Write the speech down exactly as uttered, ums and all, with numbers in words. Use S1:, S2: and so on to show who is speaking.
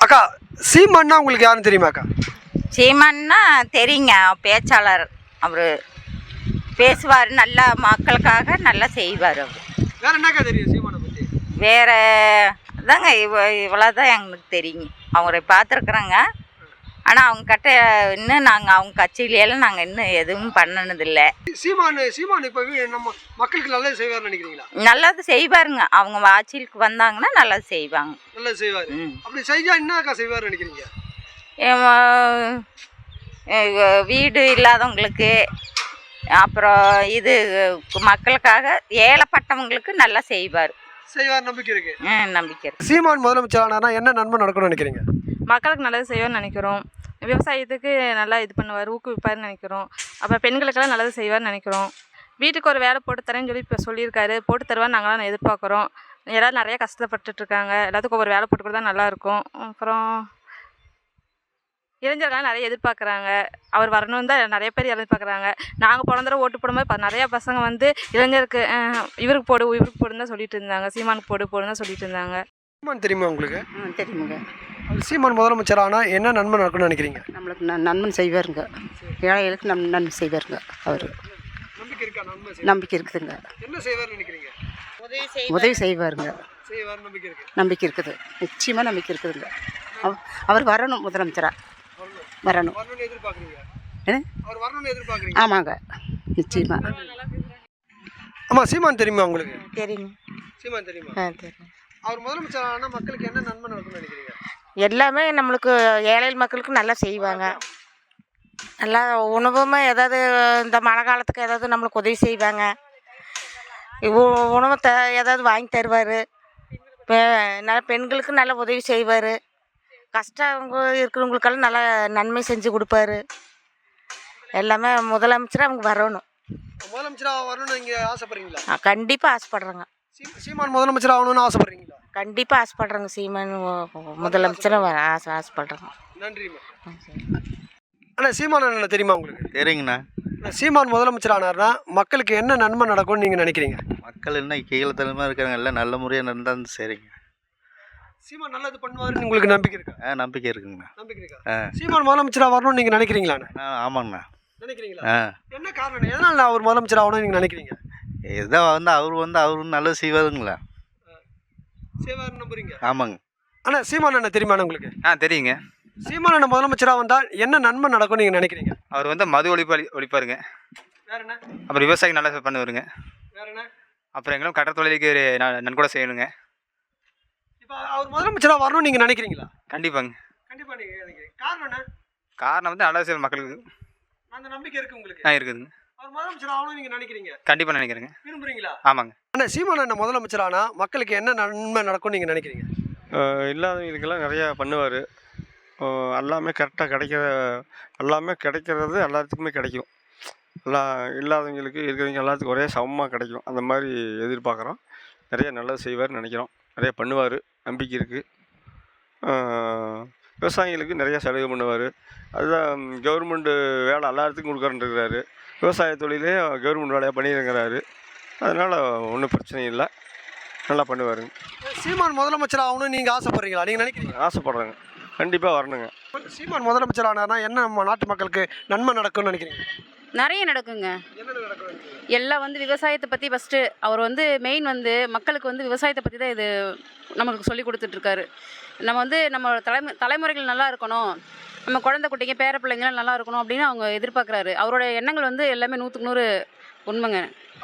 S1: அக்கா, சீமான்னா உங்களுக்கு யாருன்னு தெரியுமாக்கா?
S2: சீமான்னா தெரியுங்க, பேச்சாளர். அவர் பேசுவார், நல்லா மக்களுக்காக நல்லா செய்வார். அவர்
S1: வேற என்னக்கா தெரியும் சீமானை பற்றி?
S2: வேற அதாங்க இவ இவ்வளோதான் எங்களுக்கு தெரியுங்க. அவரை பார்த்துருக்குறோங்க. ஆனால் அவங்க கிட்ட இன்னும் நாங்கள் அவங்க கட்சியிலெல்லாம் நாங்கள் இன்னும் எதுவும் பண்ணினதில்லை.
S1: சீமான் சீமான் இப்போ நம்ம மக்களுக்கு நல்லது செய்வார்னு நினைக்கிறீங்களா?
S2: நல்லது செய்வாருங்க. அவங்க ஆட்சிக்கு வந்தாங்கன்னா நல்லது செய்வாங்க.
S1: நல்லது செய்வார். அப்படி செஞ்சா என்னக்கா செய்வார்னு நினைக்கிறீங்க?
S2: வீடு இல்லாதவங்களுக்கு, அப்புறம் இது மக்களுக்காக ஏழைப்பட்டவங்களுக்கு நல்லா செய்வார்.
S1: செய்வார் நம்பிக்கை இருக்கு.
S2: ம் நம்பிக்கை இருக்கு.
S1: சீமான் முதலமைச்சர் ஆனார்னா என்ன நன்மை நடக்கும்னு நினைக்கிறீங்க?
S3: மக்களுக்கு நல்லது செய்வார்னு நினைக்கிறோம். விவசாயத்துக்கு நல்லா இது பண்ணுவார், ஊக்குவிப்பார்னு நினைக்கிறோம். அப்புறம் பெண்களுக்கெல்லாம் நல்லது செய்வார்னு நினைக்கிறோம். வீட்டுக்கு ஒரு வேலை போட்டு தரேன்னு சொல்லி இப்போ சொல்லியிருக்காரு. போட்டு தருவான்னு நாங்களாம் எதிர்பார்க்குறோம். எல்லோரும் நிறையா கஷ்டப்பட்டுட்ருக்காங்க. எல்லாத்துக்கும் ஒவ்வொரு வேலை போட்டு கொடுத்தா நல்லாயிருக்கும். அப்புறம் இளைஞர்கள்லாம் நிறைய எதிர்பார்க்குறாங்க. அவர் வரணும்னு தான் நிறைய பேர் எதிர்பார்க்குறாங்க. நாங்கள் போன தடவை ஓட்டு போடும்போது இப்போ நிறையா பசங்க வந்து இளைஞருக்கு இவருக்கு போடு இவருக்கு போடுன்னு தான் சொல்லிட்டு இருந்தாங்க. சீமானுக்கு போடு போடுன்னு தான் சொல்லிட்டு இருந்தாங்க.
S1: சீமான் தெரியுமா உங்களுக்கு?
S4: ம் தெரியுங்க.
S1: சீமான் முதலமைச்சர் ஆனால் என்ன நன்மை நடக்கும்னு நினைக்கிறீங்க?
S4: நம்மளுக்கு ந நன்மை செய்வாருங்க. ஏழைகளுக்கு நம் நன்மை செய்வாருங்க. அவர்
S1: நம்பிக்கை இருக்கா? நன்மை
S4: நம்பிக்கை இருக்குதுங்க.
S1: என்ன செய்வார்னு நினைக்கிறீங்க?
S4: உதவி செய்வாருங்க.
S1: செய்வார் நம்பிக்கை இருக்கு.
S4: நம்பிக்கை இருக்குது. நிச்சயமாக நம்பிக்கை இருக்குதுங்க. அவ அவர் வரணும், முதலமைச்சராக வரணும்.
S1: வரணும்னு எதிர்பார்க்குறீங்க?
S4: ஏ
S1: அவர் வரணும்னு எதிர்பார்க்குறீங்க?
S4: ஆமாங்க, நிச்சயமாக.
S1: ஆமாம், சீமான் தெரியுமா உங்களுக்கு?
S5: தெரியுங்க.
S1: சீமான் தெரியுமா?
S5: ஆ தெரியும்.
S1: அவர் முதலமைச்சர் ஆனால் மக்களுக்கு என்ன நன்மை நடக்கும்னு நினைக்கிறீங்க?
S5: எல்லாமே நம்மளுக்கு ஏழை மக்களுக்கு நல்லா செய்வாங்க. நல்லா உணவுமே ஏதாவது இந்த மழை காலத்துக்கு ஏதாவது நம்மளுக்கு உதவி செய்வாங்க. உணவு த ஏதாவது வாங்கி தருவார். பெ நல்ல பெண்களுக்கு நல்ல உதவி செய்வார். கஷ்டம் இருக்கிறவங்களுக்கெல்லாம் நல்லா நன்மை செஞ்சு கொடுப்பாரு. எல்லாமே முதலமைச்சராக அவங்க வரணும்.
S1: முதலமைச்சராக வரணும்னு நீங்கள் ஆசைப்படுறீங்களா?
S5: கண்டிப்பாக ஆசைப்படுறேங்க.
S1: சீமான் முதலமைச்சர் ஆகணும்னு ஆசைப்படுறீங்களா?
S5: கண்டிப்பாக ஆசைப்படுறேங்க. சீமான் முதலமைச்சராக ஆசை ஆசைப்படுறேங்க.
S1: நன்றிம்மா. அண்ணா, சீமான் அண்ணா தெரியுமா உங்களுக்கு?
S6: சரிங்கண்ணா.
S1: சீமான் முதலமைச்சர் ஆனார்னா மக்களுக்கு என்ன நன்மை நடக்கும்னு நீங்கள் நினைக்கிறீங்க?
S6: மக்கள் என்ன கீழத்தனமாக இருக்காங்க, எல்லாம் நல்ல முறையாக நடந்தால் சரிங்க.
S1: சீமான் நல்லது பண்ணுவாருன்னு உங்களுக்கு நம்பிக்கை இருக்கா?
S6: ஆ நம்பிக்கை இருக்குங்கண்ணா.
S1: நம்பிக்கை இருக்கா? சீமான் முதலமைச்சராக வரணும்னு நீங்கள் நினைக்கிறீங்களாண்ணா?
S6: ஆ ஆமாங்கண்ணா.
S1: நினைக்கிறீங்களா?
S6: ஆ
S1: என்ன காரணம், எதனால் அவர் முதலமைச்சர் ஆகணும்னு நீங்கள் நினைக்கிறீங்க?
S6: ஏதோ வந்து அவர் வந்து அவரு நல்லது செய்வாருங்களா?
S1: செய்வார் நம்புறீங்க?
S6: ஆமாங்க.
S1: அண்ணா, சீமான் அண்ணா தெரியுமா உங்களுக்கு?
S7: ஆ தெரியுங்க.
S1: சீமான் அண்ணா முதலமைச்சராக வந்தால் என்ன நன்மை நடக்கும்னு நீங்கள் நினைக்கிறீங்க?
S7: அவர் வந்து மது ஒழிப்பு ஒழிப்பாருங்க.
S1: வேற என்ன?
S7: அப்புறம் விவசாயம் நல்லா பண்ணுவாருங்க.
S1: வேற என்ன?
S7: அப்புறம் எங்களும் கடற்கரை தொழிலுக்கு நன்கொடை செய்யணுங்க.
S1: இப்போ அவர் முதலமைச்சராக வரணும்னு நீங்கள் நினைக்கிறீங்களா?
S7: கண்டிப்பாங்க.
S1: கண்டிப்பாக நீங்கள் நினைக்கிறீங்க. காரணம் என்ன?
S7: காரணம் வந்து நல்லது செய்யும் மக்களுக்கு.
S1: அந்த நம்பிக்கை இருக்குது உங்களுக்கு?
S7: ஆ இருக்குதுங்க.
S1: அவர் முதலமைச்சர் ஆகணும்னு நீங்கள் நினைக்கிறீங்க?
S7: கண்டிப்பாக நினைக்கிறேங்க.
S1: விரும்புறீங்களா?
S7: ஆமாங்க.
S1: அண்ணா, சீமான் அண்ணா முதலமைச்சர் ஆனால் மக்களுக்கு என்ன நன்மை நடக்கும்னு நீங்கள் நினைக்கிறீங்க?
S8: இல்லாதவங்களுக்கெல்லாம் நிறையா பண்ணுவார். எல்லாமே கரெக்டாக கிடைக்கிற எல்லாமே கிடைக்கிறது எல்லாத்துக்குமே கிடைக்கும். எல்லா இல்லாதவங்களுக்கு இருக்கிறவங்க எல்லாத்துக்கும் ஒரே சமமாக கிடைக்கும். அந்த மாதிரி எதிர்பார்க்குறோம். நிறைய நல்லது செய்வார்னு நினைக்கிறோம். நிறைய பண்ணுவார், நம்பிக்கை இருக்குது. விவசாயிகளுக்கு நிறையா சலுகை பண்ணுவார். அதுதான் கவர்மெண்ட்டு வேலை எல்லாத்துக்கும் கொடுக்குறேன்னு இருக்கிறாரு. விவசாய தொழிலே கவர்மெண்ட் வேலையாக பண்ணியிருக்கிறாரு. அதனால் ஒன்றும் பிரச்சனை இல்லை, நல்லா பண்ணுவாருங்க.
S1: சீமான் முதலமைச்சர் ஆகணும்னு நீங்கள் ஆசைப்படுறீங்களா? நீங்கள் நினைக்கிறீங்க?
S8: ஆசைப்பட்றேங்க. கண்டிப்பாக வரணுங்க.
S1: சீமான் முதலமைச்சர் ஆனார்னா என்ன நம்ம நாட்டு மக்களுக்கு நன்மை நடக்கும்னு நினைக்கிறீங்க?
S9: நிறைய நடக்குங்க. எல்லாம் வந்து விவசாயத்தை பற்றி ஃபஸ்ட்டு அவர் வந்து மெயின் வந்து மக்களுக்கு வந்து விவசாயத்தை பற்றி தான் இது நம்மளுக்கு சொல்லி கொடுத்துட்ருக்காரு. நம்ம வந்து நம்ம தலைமு தலைமுறைகள் நல்லா இருக்கணும், நம்ம குழந்தை குட்டிங்க பேர பிள்ளைங்களாம் நல்லா இருக்கணும் அப்படின்னு அவங்க எதிர்பார்க்குறாரு. அவரோட எண்ணங்கள் வந்து எல்லாமே நூற்றுக்கு நூறு உண்மைங்க.